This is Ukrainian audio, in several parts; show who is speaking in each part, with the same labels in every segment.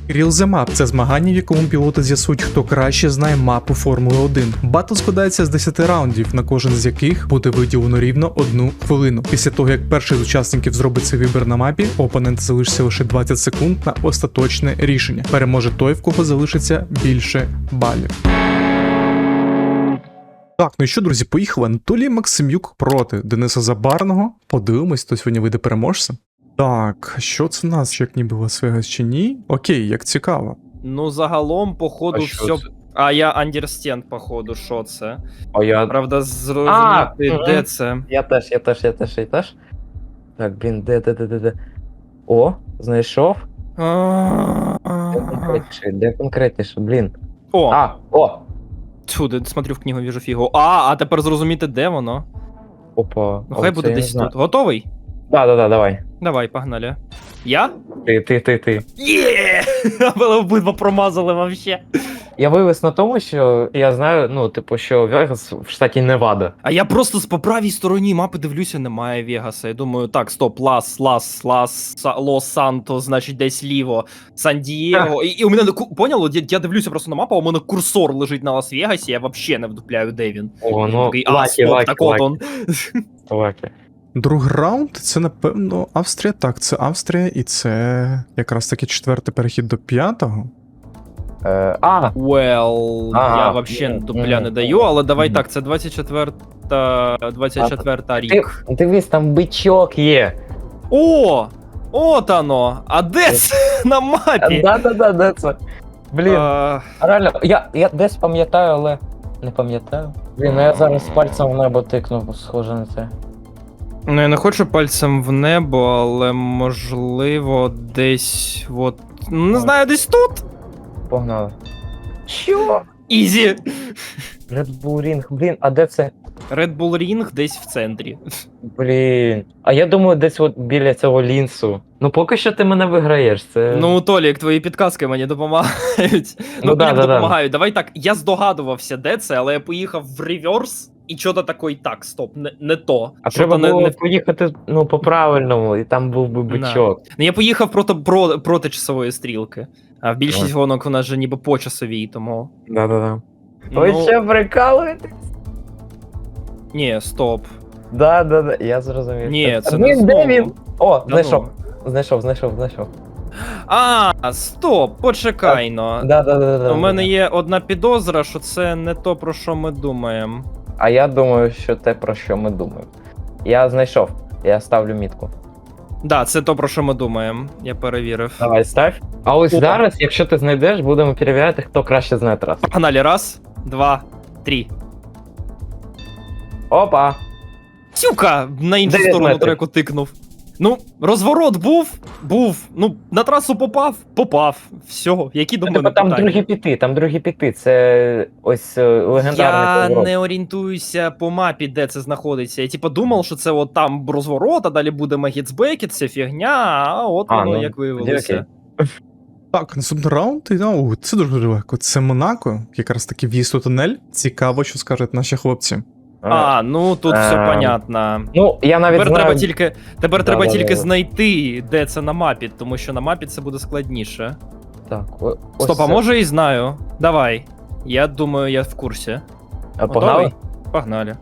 Speaker 1: Real the Map – це змагання, в якому пілоти з'ясують, хто краще знає мапу Формули 1. Батл складається з 10 раундів, на кожен з яких буде виділено рівно 1 хвилину. Після того, як перший з учасників зробить свій вибір на мапі, у опонента залишиться лише 20 секунд на остаточне рішення. Переможе той, в кого залишиться більше балів. Так, ну і що, друзі, поїхали. Анатолій Максимюк проти Дениса Забарного. Подивимось, хто сьогодні вийде переможцем. Так, що це у нас, як ніби Лас-Вегас чи ні? Окей, як цікаво.
Speaker 2: Ну, загалом, походу,
Speaker 3: А що
Speaker 2: все.
Speaker 3: це?
Speaker 2: А я understand, походу, що це.
Speaker 3: А я...
Speaker 2: Правда, зрозуміти, де це.
Speaker 3: Я теж. Так, блін, де. О, знайшов. Де конкретніше, блін.
Speaker 2: О,
Speaker 3: О!
Speaker 2: сюди, смотрю в книгу, віжу фігу. А тепер зрозуміти, де воно.
Speaker 3: Опа.
Speaker 2: Ну, хай буде десь тут. Готовий?
Speaker 3: Да, давай.
Speaker 2: Давай, погнали. Я?
Speaker 3: Ти.
Speaker 2: Є! Ви обидва промазали вообще.
Speaker 3: Я вивез на тому, що я знаю, ну, типу, що Вегас в штаті Невада.
Speaker 2: А я просто по правій стороні мапи дивлюся, немає Вегаса. Я думаю, так, стоп, Лос-Санто, значить десь ліво, Сан-Дієго. І у мене, поняло, я дивлюся просто на мапу, а у мене курсор лежить на Лас-Вегасі, я взагалі не вдупляю, де він.
Speaker 3: О, ну,
Speaker 2: Такий, стоп, так от он.
Speaker 3: Лакі.
Speaker 1: Другий раунд – це, напевно, Австрія. Так, це Австрія, і це якраз таки четвертий перехід до п'ятого.
Speaker 2: Well,
Speaker 3: Ага.
Speaker 2: я взагалі дупля не даю, але давай так, це 24 рік.
Speaker 3: Дивись, там бичок є.
Speaker 2: О! От оно! А де це на мапі?
Speaker 3: Да, де це? Блін,
Speaker 2: А,
Speaker 3: реально, я десь пам'ятаю, але не пам'ятаю. Блін, я зараз пальцем в небо тикну, схоже на це.
Speaker 2: Ну, я не хочу пальцем в небо, але можливо десь от. Ну, не знаю, десь тут.
Speaker 3: Погнали. Що?
Speaker 2: Ізі.
Speaker 3: Red Bull Ring, блін, а де це?
Speaker 2: Red Bull Ring десь в центрі.
Speaker 3: Блін. А я думаю, десь от біля цього лінсу. Ну поки що ти мене виграєш, це...
Speaker 2: Ну, Толік, твої підказки мені допомагають. Ну,
Speaker 3: да,
Speaker 2: блін,
Speaker 3: да.
Speaker 2: допомагають. Давай так, я здогадувався, де це, але я поїхав в реверс, і чого-то такий, так, стоп, не то.
Speaker 3: А
Speaker 2: Що-то
Speaker 3: треба було поїхати, ну, по-правильному, і там був би бичок.
Speaker 2: Ну, я поїхав проти часової стрілки. А в більшість гонок у нас же ніби по часовій, тому.
Speaker 3: Да.
Speaker 2: Ну,
Speaker 3: Ви що, прикалуєте?
Speaker 2: Ні, стоп.
Speaker 3: Да, я зрозумів.
Speaker 2: Ні, це
Speaker 3: Блін,
Speaker 2: не
Speaker 3: де
Speaker 2: знову.
Speaker 3: він? О,
Speaker 2: Да
Speaker 3: знайшов.
Speaker 2: ну.
Speaker 3: Знайшов.
Speaker 2: Стоп, почекай но.
Speaker 3: Да.
Speaker 2: У мене є одна підозра, що це не то, про що ми думаємо.
Speaker 3: А я думаю, що те, про що ми думаємо. Я знайшов. Я ставлю мітку.
Speaker 2: Да, це то, про що ми думаємо. Я перевірив.
Speaker 3: Давай, став. А ось
Speaker 2: О.
Speaker 3: зараз, якщо ти знайдеш, будемо перевіряти, хто краще знає трасу.
Speaker 2: Погнали, раз, два, три.
Speaker 3: Опа!
Speaker 2: Тюка! На іншу
Speaker 3: 9
Speaker 2: сторону
Speaker 3: метрів.
Speaker 2: треку тикнув. Ну, розворот був. Ну, на трасу попав. Все, які до мене
Speaker 3: Типа там
Speaker 2: питання?
Speaker 3: другі піти, це ось легендарний
Speaker 2: Я
Speaker 3: поворот.
Speaker 2: не орієнтуюся по мапі, де це знаходиться. Я типа думав, що це от там розворот, а далі буде Магіцбекет, це фігня, а от воно
Speaker 3: ну,
Speaker 2: як виявилося.
Speaker 1: Так, наступний раунд, і, ну, це дуже легко. Це Монако, якраз таки в'їзд у тунель. Цікаво, що скажуть наші хлопці.
Speaker 2: Ну тут все понятно.
Speaker 3: Ну, я навіть
Speaker 2: Тепер
Speaker 3: знаю...
Speaker 2: треба тільки
Speaker 3: Да.
Speaker 2: знайти, де це на мапі, тому що на мапі це буде складніше.
Speaker 3: Так,
Speaker 2: Стоп, а може і знаю. Давай. Я думаю, я в курсі.
Speaker 3: Погнали?
Speaker 2: Готовий? Погнали.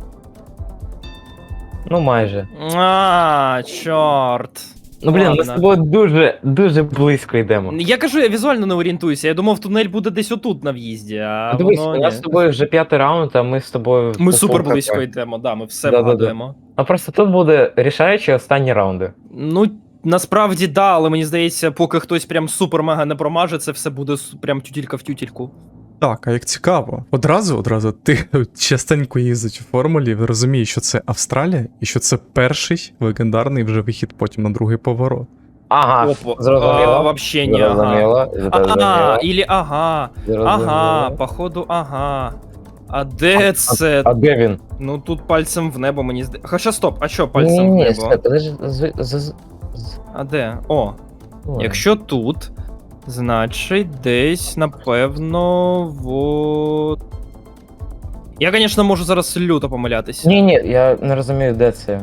Speaker 3: Ну, майже.
Speaker 2: Чорт.
Speaker 3: Ну, блін, ми
Speaker 2: Ладно.
Speaker 3: з тобою дуже близько йдемо.
Speaker 2: Я кажу, я візуально не орієнтуюся. Я думав, тунель буде десь отут на в'їзді, а
Speaker 3: Дивись,
Speaker 2: воно
Speaker 3: у нас
Speaker 2: ні.
Speaker 3: з тобою вже 5-й раунд, а ми з тобою...
Speaker 2: Ми
Speaker 3: по
Speaker 2: супер
Speaker 3: пунктах.
Speaker 2: близько йдемо, да, ми все
Speaker 3: Да-да-да.
Speaker 2: вгадуємо.
Speaker 3: А просто тут буде рішаючі останні раунди.
Speaker 2: Ну, насправді, да, але мені здається, поки хтось прям супер-мега не промаже, це все буде прям тютілька в тютільку.
Speaker 1: Так, а як цікаво. Одразу ти частенько їздиш у формулі, розумієш, що це Австралія, і що це перший легендарний вже вихід потім на другий поворот.
Speaker 3: Ага,
Speaker 2: Опа,
Speaker 3: зрозуміло.
Speaker 2: вообще не, ага.
Speaker 3: Зрозуміло.
Speaker 2: Ілі ага. Ага, походу, ага. А де це?
Speaker 3: А де він?
Speaker 2: Ну тут пальцем в небо мені здається. Хоча стоп, а що пальцем в
Speaker 3: Ні,
Speaker 2: небо?
Speaker 3: стой, подожди,
Speaker 2: А де? О,
Speaker 3: Ой.
Speaker 2: якщо тут, значить десь, напевно, вот. Я, звісно, можу зараз люто помилятись.
Speaker 3: Ні, я не розумію, де це.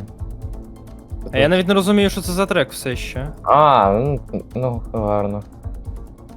Speaker 2: А я навіть не розумію, що це за трек все ще.
Speaker 3: Ну гарно.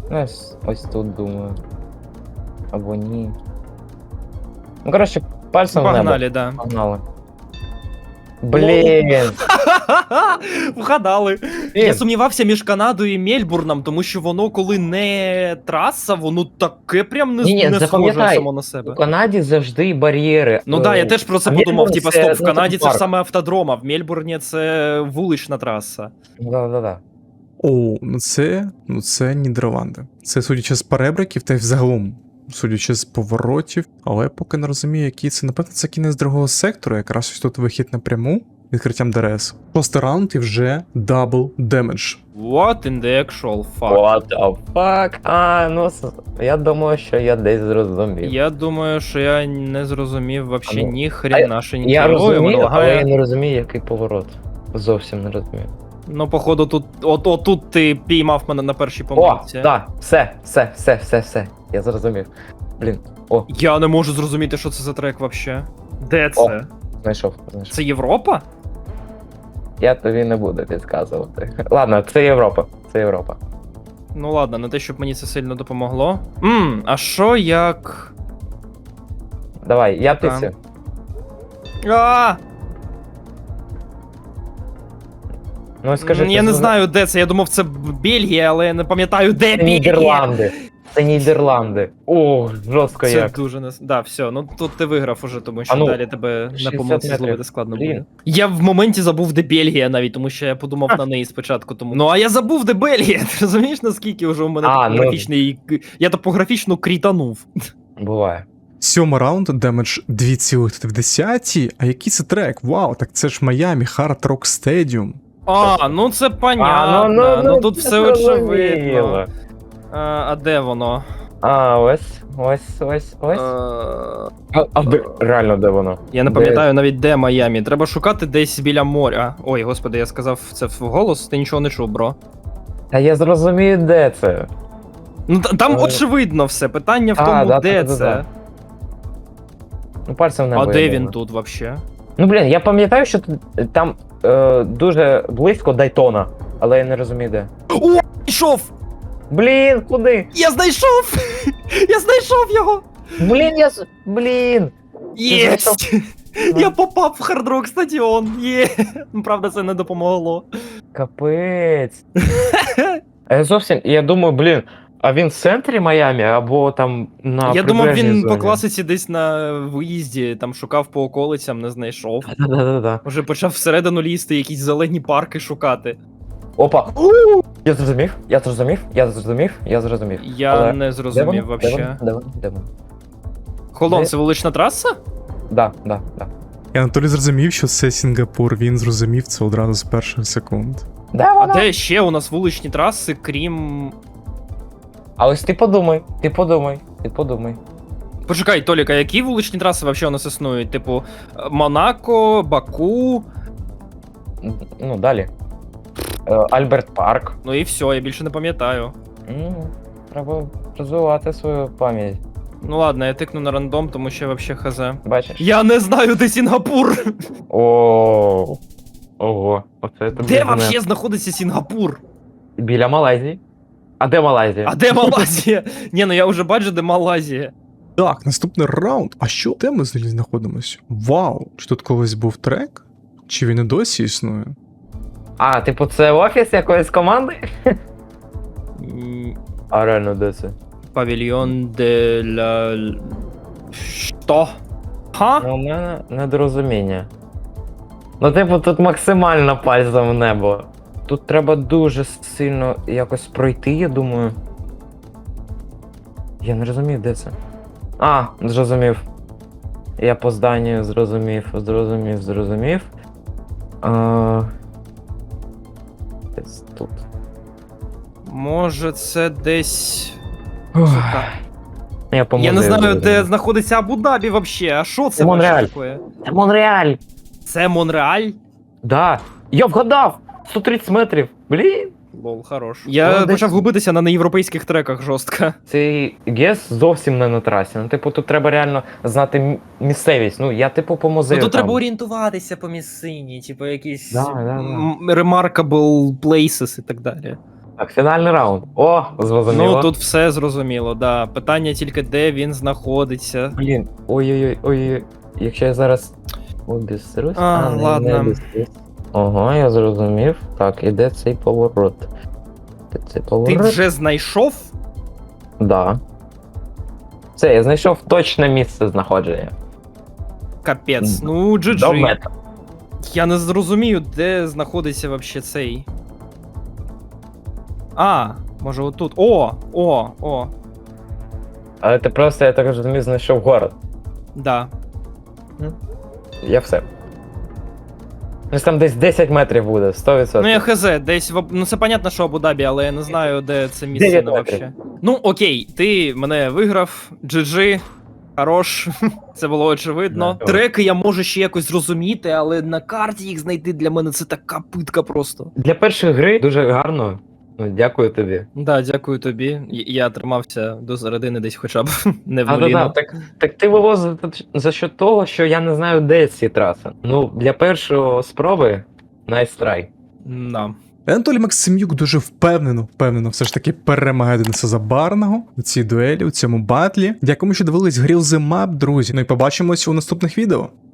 Speaker 3: Ну, ось тут думаю. Або ні. Ну, коротше, пальцем в небо.
Speaker 2: Погнали, да.
Speaker 3: Погнали. Блін!
Speaker 2: Вгадали.
Speaker 3: Блін.
Speaker 2: Я сумнівався між Канадою і Мельбурном, тому що воно, коли не траса, воно таке прям не,
Speaker 3: Ні-ні,
Speaker 2: не схоже
Speaker 3: запам'ятай,
Speaker 2: само на
Speaker 3: У
Speaker 2: себе.
Speaker 3: Канаді завжди бар'єри.
Speaker 2: Ну так, я теж про це
Speaker 3: А
Speaker 2: подумав.
Speaker 3: Мельбурн
Speaker 2: Типа,
Speaker 3: це,
Speaker 2: стоп, в
Speaker 3: ну,
Speaker 2: Канаді
Speaker 3: типу,
Speaker 2: це ж
Speaker 3: парк.
Speaker 2: саме автодром, а в Мельбурні це вулична траса.
Speaker 3: Да.
Speaker 1: О, ну це Нідерланди. Це судячи з перебриків та й взагалом, судячи з поворотів, але я поки не розумію, який це. Напевно, це кінець другого сектору, якраз ось тут вихід напряму, відкриттям ДРС. Шостий раунд і вже дабл демедж.
Speaker 2: What in the actual fuck?
Speaker 3: What the fuck? А, ну, я думаю, що я десь зрозумів.
Speaker 2: Я думаю, що я не зрозумів вообще
Speaker 3: А ну,
Speaker 2: ні хренашеньки.
Speaker 3: Я
Speaker 2: Ой, воно
Speaker 3: розумію, але
Speaker 2: лагає.
Speaker 3: я не розумію, який поворот. Зовсім не розумію.
Speaker 2: Ну, походу, тут отут ти піймав мене на першій
Speaker 3: О,
Speaker 2: помилці.
Speaker 3: так, все. Я зрозумів. Блін,
Speaker 2: Я не можу зрозуміти, що це за трек вообще. Де це?
Speaker 3: знайшов.
Speaker 2: Це Європа?
Speaker 3: Я тобі не буду підказувати. Ладно, це Європа.
Speaker 2: Ну ладно, не те, щоб мені це сильно допомогло. А що як.
Speaker 3: Давай, я
Speaker 2: Так.
Speaker 3: тицю.
Speaker 2: А!
Speaker 3: Ну скажи,
Speaker 2: Я не знаю, де це. Я думав, це Бельгія, але я не пам'ятаю, де
Speaker 3: Це
Speaker 2: Бельгія.
Speaker 3: Нідерланди. Це Нідерланди. О, жорстко
Speaker 2: Це
Speaker 3: як.
Speaker 2: дуже не. Да, все, ну тут ти виграв уже, тому що
Speaker 3: А ну,
Speaker 2: далі тебе на
Speaker 3: 60
Speaker 2: помилці
Speaker 3: метрів.
Speaker 2: зловити складно
Speaker 3: Блін.
Speaker 2: буде. Я в моменті забув, де Бельгія навіть, тому що я подумав на неї спочатку. Тому. Ну а я забув, де Бельгія. Ти розумієш, наскільки вже у мене
Speaker 3: А, ну.
Speaker 2: топографічний. Я топографічно крітанув.
Speaker 3: Буває.
Speaker 1: Сьомий раунд, демедж 2,3. А який це трек? Вау, так це ж Майамі, Hard Rock Stadium.
Speaker 2: А, ну це понятно. Ну тут все очевидно. А де воно?
Speaker 3: Ось. А де, реально, де воно?
Speaker 2: Я не
Speaker 3: Де?
Speaker 2: пам'ятаю навіть де Майамі. Треба шукати десь біля моря. Ой, господи, я сказав це вголос, ти нічого не чув, бро.
Speaker 3: Та я зрозумію, де це.
Speaker 2: Ну там
Speaker 3: Е.
Speaker 2: очевидно все. Питання в
Speaker 3: А,
Speaker 2: тому,
Speaker 3: да,
Speaker 2: де
Speaker 3: да.
Speaker 2: це.
Speaker 3: Ну, пальцем в небо.
Speaker 2: А
Speaker 3: я
Speaker 2: де
Speaker 3: думаю.
Speaker 2: він тут вообще?
Speaker 3: Ну, блін, я пам'ятаю, що там дуже близько Дайтона, але я не розумію, де.
Speaker 2: Знайшов!
Speaker 3: Блін, куди?
Speaker 2: Я знайшов! Я знайшов його!
Speaker 3: Блін!
Speaker 2: Єсть! Я попав в хард-рок стадіон! Є! Ну, правда, це не допомогло.
Speaker 3: Капець. А я зовсім, я думаю, блін, а він в центрі Майамі або там на
Speaker 2: Я думав,
Speaker 3: прибережній
Speaker 2: він
Speaker 3: зоні?
Speaker 2: по класиці десь на виїзді, там шукав по околицям, не знайшов.
Speaker 3: Да.
Speaker 2: Уже почав всередину лізти, якісь зелені парки шукати.
Speaker 3: Опа. Я зрозумів.
Speaker 2: Я
Speaker 3: Але
Speaker 2: не зрозумів вообще.
Speaker 3: Де воно?
Speaker 2: Холон,
Speaker 3: Де?
Speaker 2: це вулична траса?
Speaker 3: Да.
Speaker 1: І Анатолій зрозумів, що це Сінгапур. Він зрозумів це одразу з перших секунд.
Speaker 3: Де
Speaker 2: А
Speaker 3: воно?
Speaker 2: де ще у нас вуличні траси, крім.
Speaker 3: А ось ти подумай.
Speaker 2: Почекай, Толік, а які вуличні траси вообще у нас існують? Типу, Монако, Баку.
Speaker 3: Ну, далі. Альберт Парк.
Speaker 2: Ну і все, я більше не пам'ятаю.
Speaker 3: Треба розвивати свою пам'ять.
Speaker 2: Ну ладно, я тикну на рандом, тому що вообще хз.
Speaker 3: Бачиш?
Speaker 2: Я не знаю, де Сінгапур!
Speaker 3: Ого. Оце тобі
Speaker 2: Де
Speaker 3: не-
Speaker 2: вообще знаходиться Сінгапур?
Speaker 3: Біля Малайзії. А де Малайзія?
Speaker 2: А де Малайзія? Ні, ну я вже бачу, де Малайзія.
Speaker 1: Так, наступний раунд. А що? Де ми взагалі знаходимося? Вау! Чи тут колись був трек? Чи він і досі існує?
Speaker 3: А, типу, це офіс якоїсь команди? А реально, де це?
Speaker 2: Павільйон де ла... Що? Ха?
Speaker 3: Ну, у мене недорозуміння. Ну, типу, тут максимально пальцем в небо. Тут треба дуже сильно якось пройти, я думаю. Я не розумію, де це. А, зрозумів. Я по зданню зрозумів. Десь тут.
Speaker 2: Може це десь.
Speaker 3: Я
Speaker 2: Я не знаю, де знаходиться Абу-Дабі вообще. А що це
Speaker 3: Монреаль.
Speaker 2: вообще таке?
Speaker 3: Це Монреаль!
Speaker 2: Це Монреаль?
Speaker 3: Да! Я вгадав! 130 метрів! Блін!
Speaker 2: Лол, хорош. Я
Speaker 3: Молодець.
Speaker 2: почав губитися на неєвропейських треках жорстко.
Speaker 3: Цей гес зовсім не на трасі. Ну, типу, тут треба реально знати місцевість. Ну, я, типу, по музею.
Speaker 2: Тут
Speaker 3: там.
Speaker 2: треба орієнтуватися по місцині, типу якісь
Speaker 3: Да.
Speaker 2: remarkable places і так далі.
Speaker 3: Так, фінальний раунд. О, зрозуміло.
Speaker 2: Ну тут все зрозуміло, да. Питання тільки де він знаходиться.
Speaker 3: Блін, ой-ой-ой, якщо я зараз обісрусь, не
Speaker 2: ладно.
Speaker 3: обісрусь. Ого, я зрозумів. Так, іде цей поворот. Де цей
Speaker 2: Ти
Speaker 3: поворот?
Speaker 2: вже знайшов?
Speaker 3: Да. Все, я знайшов точне місце знаходження.
Speaker 2: Капець. Ну,
Speaker 3: До
Speaker 2: GG.
Speaker 3: мета.
Speaker 2: Я не зрозумію, де знаходиться вообще цей. А, може отут. О.
Speaker 3: Але ти просто, я так розумію, знайшов город.
Speaker 2: Да.
Speaker 3: Я все. Ось там десь 10 метрів буде, 100%.
Speaker 2: Ну я хз, десь ну це понятно, що Абу-Дабі, але я не знаю, де це місце
Speaker 3: 9
Speaker 2: ну,
Speaker 3: метрів.
Speaker 2: вообще. Ну окей, ти мене виграв, GG, хорош, це було очевидно.
Speaker 3: Да.
Speaker 2: Треки я можу ще якось зрозуміти, але на карті їх знайти для мене це така питка просто.
Speaker 3: Для першої гри дуже гарно. Ну, дякую тобі.
Speaker 2: Да, дякую тобі. Я тримався до середини десь хоча б не в
Speaker 3: А,
Speaker 2: нулі.
Speaker 3: да, так ти вивозив за що того, що я не знаю, де ці траси. Ну, для першої спроби nice try.
Speaker 2: Да.
Speaker 1: Анатолій Максимюк дуже впевнено все ж таки перемагає Дениса Забарного у цій дуелі, у цьому батлі. Дякую, що дивились Grill the Map, друзі. Ну і побачимось у наступних відео.